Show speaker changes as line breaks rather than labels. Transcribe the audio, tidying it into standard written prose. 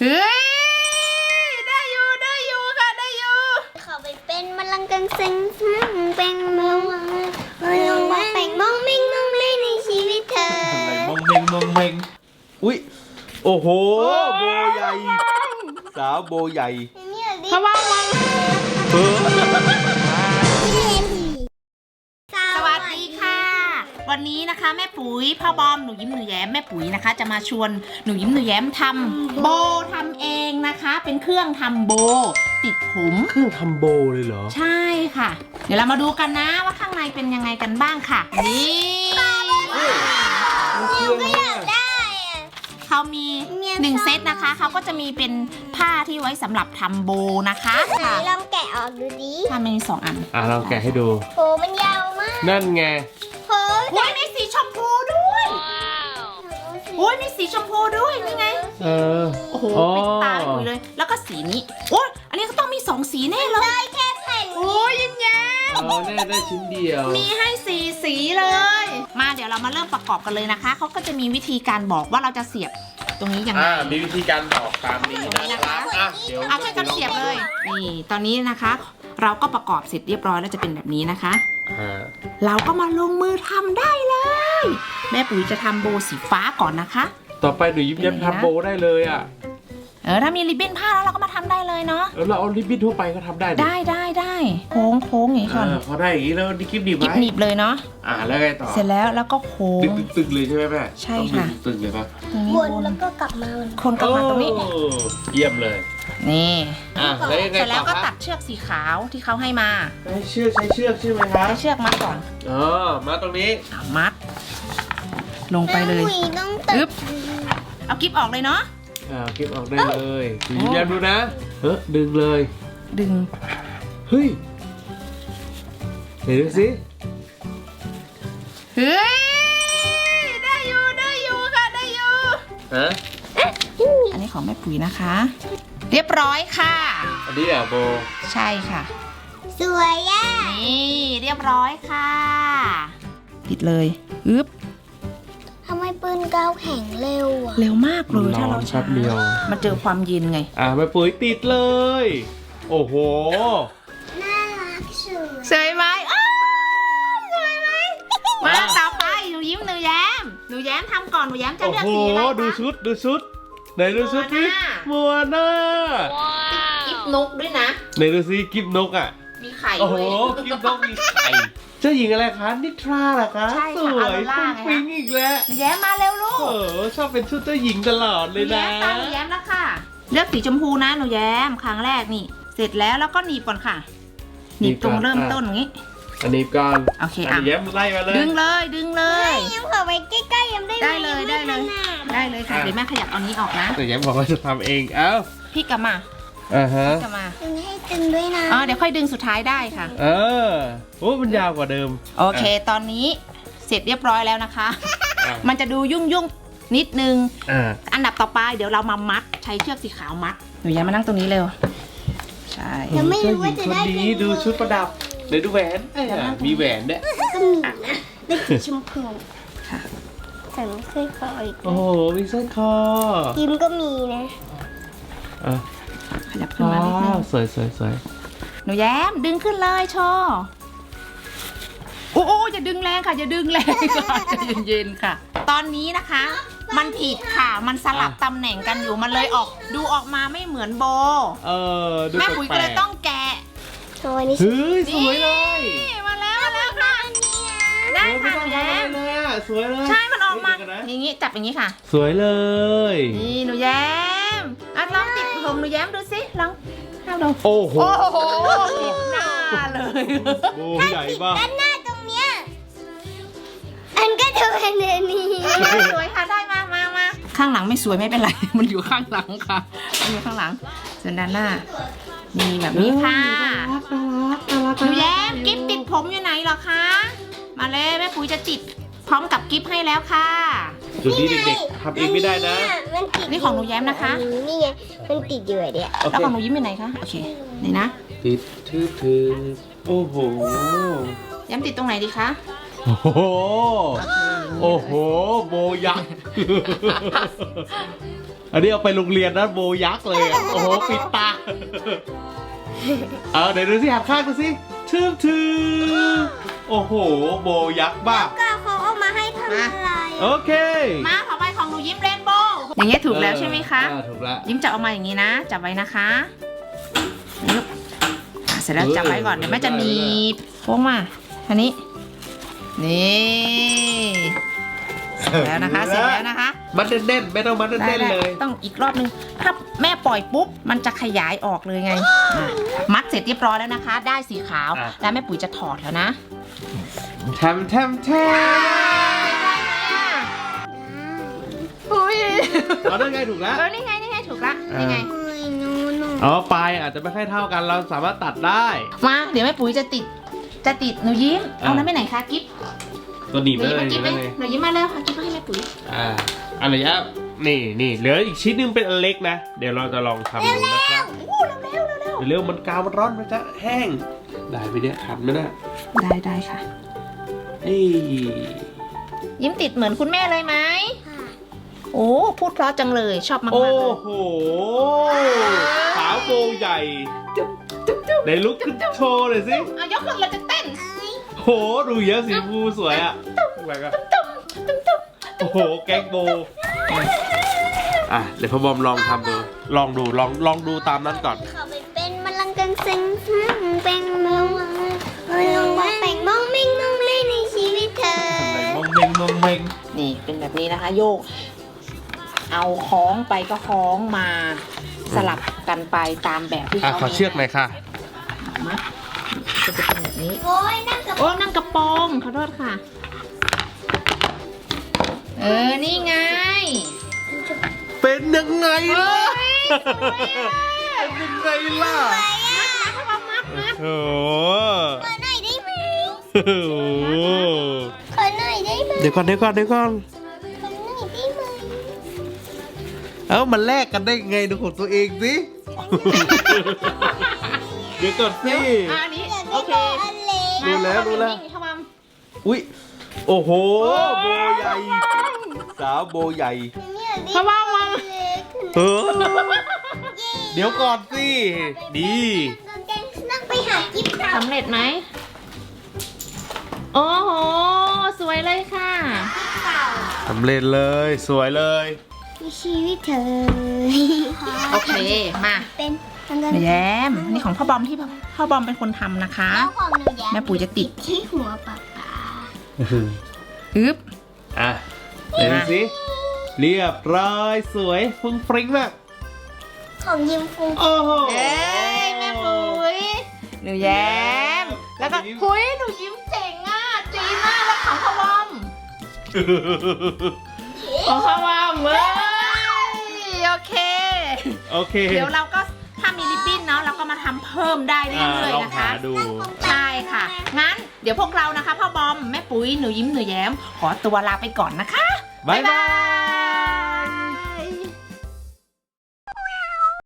ฮ้ยได้อยู่ค่ะได้อยู่
เขาไปเป็นมะลังกังเซ็งเป็นมองแต่งมองมิ่งมองเล่นในชีวิตเธอ
อะไรมองเมงอุ้ยโอ้โหโบใหญ่สาวโบใหญ่
เพราะว่ามัน สวัสดีค่ะ วันนี้นะคะแม่ปุ๋ยพ่อบอมหนูยิ้มหนูแย้มแม่ปุ๋ยนะคะ จะมาชวนหนูยิ้มหนูแย้มทำโบทำเองนะคะ เป็นเครื่องทำโบติดผม
เครื่องทำโบเลยเหรอ
ใช่ค่ะ เดี๋ยวเรามาดูกันนะว่าข้างในเป็นยังไงกันบ้างค่ะนี่เขามี1เซตนะคะเขาก็จะมีเป็นผ้าที่ไว้สำหรับทำโบนะคะ
ไหนลองแกะออกดูดิ
ถ้ามี2 อัน
ลองแกะให้ดู
โหมันยาวมาก
นั่นไง
โห
โอ้ยมีสีชมพูด้วยโอ้ยมีสีชมพูด้วยนี่ไง โอ้โหปิดตาไปเลยแล้วก็สีนี้โอ้ยอันนี้ก็ต้องมี2สีแน่เลย
ได้แค่แผ่น
โอ้ยยิ้มแย้ม
แน่ได้ชิ้นเดียว
มีให้4สีเลย มาเดี๋ยวเรามาเริ่มประกอบกันเลยนะคะเขาก็จะมีวิธีการบอกว่าเราจะเสียบตรงนี้ยังไง
มีวิธีการบอกตามนี้นะครับเดี๋ยว
เอาช่วยกันเสียบเลยนี่ตอนนี้นะคะ เราก็ประกอบเสร็จเรียบร้อยแล้วจะเป็นแบบนี้นะคะ เราก็มาลงมือทำได้เลย แม่ปุ๋ยจะทำโบสีฟ้าก่อนนะคะ
ต่อไปหนูยิ้มแย้มทำโบได้เลยอ่ะ
ถ้ามีริบบิ้นผ้าแล้วเราก็มาทำได้เลยเนาะ
แล้วเราเอาริบบิ้นทั่วไปก็ทำได้ดิ
ได้โค้งอย่างนี้ก่อน
พอได้อย่างนี้แล้วดิกิ๊บดีไหม
หนีบเลยเนาะ
แล้วไงต่อ
เสร็จแล้วก็โค้ง
ตึงเลยใช่ไหมแม่
ใช่ค่ะ
ตึงเลยปะ
ตรงนี้
วนแล้วก็กลับมา
คนกลับมาตรงนี้
โอ้เยี่ยมเลย
นี่
แล้วยังไง
เสร็จแล้ว
ต่อ
ก็
ค
ตั
รับ
ดเชือกสีขาวที่เขาให้มา
ใช้เชือกใช่ไหมครับ
ให้เชือกมัดก่อน
มาตรงนี้
มัด ลงไปเลย
แม่ปุ๋ต้องตึ
อึ๊
ก
บ เอากิ๊บออกเลยเนาะ
เก็บออกได้เลยหนูยิ้มแย้มดูนะดึงเลย
ดึง
เฮ้ยเห็นดูสิ
เฮ้ยได้อยู่ค่ะได้อยู่ อันนี้ของแม่ปุ๋ยนะคะ เรียบร้อยค่ะ
อันนี้โบ
ใช่ค่ะ
สวยอ่ะ
นี่เรียบร้อยค่ะติดเลยอึ๊บ
ทำไมปืนกาวแข็งเร็วอ่ะ
เร็วมากเลยถ้าเรา
แป๊
ช้า
บเดียว
มันเจอความเย็นไง
แม่ปุ๋ยติดเลย โอ้โห
น่ารักสุด
สวยไหมอ้าวสวยไหมมาต่อไปหนูยิ้มหนูแย้มทำก่อนหนูแย้มจะ
โอ้
เลือก
โห
สีอะไรคะ
ดูชุดไหนดูชุดนี่มัวหน้า
กิ๊บนกด้วยนะ
ไหนดูสิกิฟนกอ่ะ
มีไข่
โอ้โห
ด้วย
กิฟนกมีไข่เจ้าหญิงอะไรคะนิทราเหรอคะ
ใช่
ส
ค่ะ
วย
ออโรร่า
ฟุ้ง
ไงคะ
ฟิ้งอีกแล้ว
หนูแย้มมาเร็วลูก
ชอบเป็นชุดเจ้าหญิงตลอด
ห
เล
นู
ย
แย้
นะ
มตามหนูแย้มแล้วค่ะ เลือกสีชมพูนะหนูแย้มครั้งแรกนี่ เสร็จแล้วก็หนีบก่อนค่ะหนีบตรงเริ่มต้นอย่างนี้
อันนี้ก่อน
โอเค
อันนี้แย้มไล่มาเลย
ดึงเลย
ยังขอไปใกล้ๆยังได้ไหม
ได้เลยค่ะเดี๋ยวแม่ขยับเอานี้ออกนะ
แต่แย้มบอกว่าจะทำเองเอ้า
พี่กลับมา
ฮะ
กลับมา
ดึงให้ตึงด้วยนะ
เดี๋ยวค่อยดึงสุดท้ายได้ค่ะ
โอ้มันยาวกว่าเดิม
โอเค ตอนนี้เสร็จเรียบร้อยแล้วนะคะ มันจะดูยุ่งนิดนึง อันดับต่อไปเดี๋ยวเรามามัดใช้เชือกสีขาวมัดหนูย้ายมานั่งตรงนี้เร็ว ใช่
ยังไม่รู้ว่าจะได้
เจ้หญิงคนนี้ดูชุดประดับเดี๋ยวดูแหวนมีแหวนเนี่ย
ก็มีนะเป็นสีชมพู
ค่ะ
แต่ไม่เคยขออีก
โอ้โหมีสร้อยคอ
ยิ้มก็มีนะ
ขยับขึ้นมานิดนึง
สวย
หนูแย้มดึงขึ้นเลยโชว์โอ้อย่าดึงแรงค่ะอย่าดึงแรงค่ะใจเย็นๆค่ะ ตอนนี้นะคะ มันผิดค่ะมันสลับตำแหน่งกันอยู่มันเลยดูออกมาไม่เหมือนโบ
ดู
แม่ปุ๋ยก็เลยต้องแกะ
โชว์นี่
เฮ้ยสวยเลย
นี่มาแล้วค่ะได้ค่ะหนูแย้ม
เลยอ่ะสวยเลย
ใช่มันออกมาอย่างนี้จับอย่างนี้ค่ะ
สวยเลย
นี่หนูแย้มลองติดผมหนูแย้มดูสิลองทำดู
โอ้โห
ติดหน้าเลย
โบใหญ่มาก
ด้านหน้าตรงเนี้ยอันก็จะเป็นอันนี้
สวยค่ะได้มาข้างหลังไม่สวยไม่เป็นไร มันอยู่ข้างหลังค่ะมันอยู่ข้างหลังส่วนด้านหน้ามีแบบนี้ค่ะหนูแย้มกิ๊บติดผมอยู่ไหนเหรอคะมาเลยแม่ปุ๋ยจะติดพร้อมกับกิ๊บให้แล้วค่ะ
จุดนี้เด็กๆทำเองไม่ได้นะ
มันติด
นี่ของหนูแย้มนะคะ
นี่ไงมันติดอยู่อะเนี่ย
โอ
แล้ว
เค
ของหนูยิ้มอยู่ไหนคะโอเคนี่นะ
ติดถือโอ้โห
แย้มติดตรงไหนดีคะ
โอ้โห โอ้โห โบยักษ์อันนี้เอาไปโรงเรียนนะโบยักษ์เลยอะโอ้โหปิดตาเดี๋ยวดูสิหันข้างดูสิทืบโอ้โหโบยักษ์บ้า
ก็เขาเอามาให้ทำอะไร
โอเค
มาต่อไปของหนูยิ้มเรนโบว์อย่างเงี้ยถูกแล้วใช่ไหมคะ
ถูกแล้ว
ยิ้มจับออกมาอย่างนี้นะจับไว้นะคะยึบเสร็จแล้วจับไว้ก่อนเดี๋ยวแม่จะหนีบโค้งมาอันนี้นี่เสร็จแล้วนะคะเสร็จแล้วนะคะ
มันเด่นๆไม่ต้องมันเด่นๆเลย
ต้องอีกรอบนึงถ้าแม่ปล่อยปุ๊บมันจะขยายออกเลยไงมัดเสร็จเรียบร้อยแล้วนะคะ ได้สีขาวแล้วแม่ปุ๋ยจะถอดแล้วนะ
แทม
อุ้ย
เอาได้ไงถูกแล้ว
นี่ไงถูกละนี่ไง
อ๋อปลายอาจจะไม่ค่อยเท่ากันเราสามารถตัดได้
มาเดี๋ยวแม่ปุ๋ยจะติดหนูยิ้มเอานั้นไปไหนคะกิ๊บ
ตัวหนีบ
หนู
ไป
ยิ้ม
เล
มาย กิ๊บไหมหนูยิ้มมาแล้วค่ะกิ๊บให้แม่ปุ๋ย
อะไรยะนี่เหลืออีกชิ้นนึงเป็นอันเล็กนะเดี๋ยวเราจะลองทำดูนะครับ เร็วมันกาวมันร้อนมันจะแห้งได้ไปเนี่ยทันไหมนะ
ได้ค่ะ
เอ้ย
ยิ้มติดเหมือนคุณแม่เลยไหมโอ้พูดเพราะจังเลยชอบมากๆ
โอ้
เลย
โหสาวโบใหญ่ไหนลุกขึ้นโชว์หน่อยสิ
เอายกขึ้นเราจะเต้น
โหดูเยอะสีฟูสวยอ่ะแบบก็โอ้โหแก๊งโบเดี๋ยวพ่อบอมลองทำดูลองดูตามนั้นก่อน
เขาไปเป็นมะลังกังเซ็งเป็นมะลังแต่งมองมิ่งมองเล่นในชีวิตเธอ
มงเมง
นี่เป็นแบบนี้นะคะโยก เอาคล้องไปก็คล้องมาสลับกันไปตามแบบที่เขา
ขอเชือกหน่อยค่ะ
มาจะเป็นแบบนี้
โอ้ยนั่งกับ
โอ้นั่งกระโปรงขอโทษค่ะ นี่ไง
เป็นยังไง
เฮ้
ล่ะ
ย
เป็นยังไงล่ะ
มัด
โอ้โห
ขอหน่อยได้ไหม
โอ้โห
ขอหน่อยได้ไหม
เดี๋ยวก่อน
ขอหน่อยได้ไหม
มันแลกกันได้ไงดูของตัวเองสิ เดี๋ยวก่อนสิ
อันนี้โอเค
อันเล็ก
รู้แล้ว
ทำมัม
อุ้ยโอ้โหโบใหญ่สาวโบใหญ่
ทำมัม
เออเดี๋ยวก่อนสิดี
นั่งไปหากิ๊บเรา
สำเร็จไหมโอ้โหสวยเลยค่ะ
เก่า
สำเร็จเลยสวยเลย
ในชีวิตเธอ
โอเคมา
เป็น
หนูแย้มนี่ของพ่อบอมที่พ่อบอมเป็นคนทำนะคะ
แล้วของหนูแย้
แม่ปุ๋ยจะติด
ที่หัวปากกา
อึ๊บ
เดี๋ยวดูสิเรียบร้อยสวยฟุ้งฟริ้งมาก
ของยิมฟู
โอ้โห
เอ้ยแม่ปุ๋ยหนูแย้มแล้วก็หุยหนูยิ้มเจ๋งอ่ะจีมากแล้วของพ่อบอมของพ่อบอมเว้ยโอเค
โอเค
เดี๋ยวเราก็ถ้ามีริบบิ้นเนาะเราก็มาทำเพิ่มได้เรื่อย
ลอ
ๆ
ง
นะคะ
หาดู
ใช่ค่ะ งั้นเดี๋ยวพวกเรานะคะพ่อบอมแม่ปุ๋ยหนูยิ้มหนูแย้มขอตัวลาไปก่อนนะคะ
บ๊ายบาย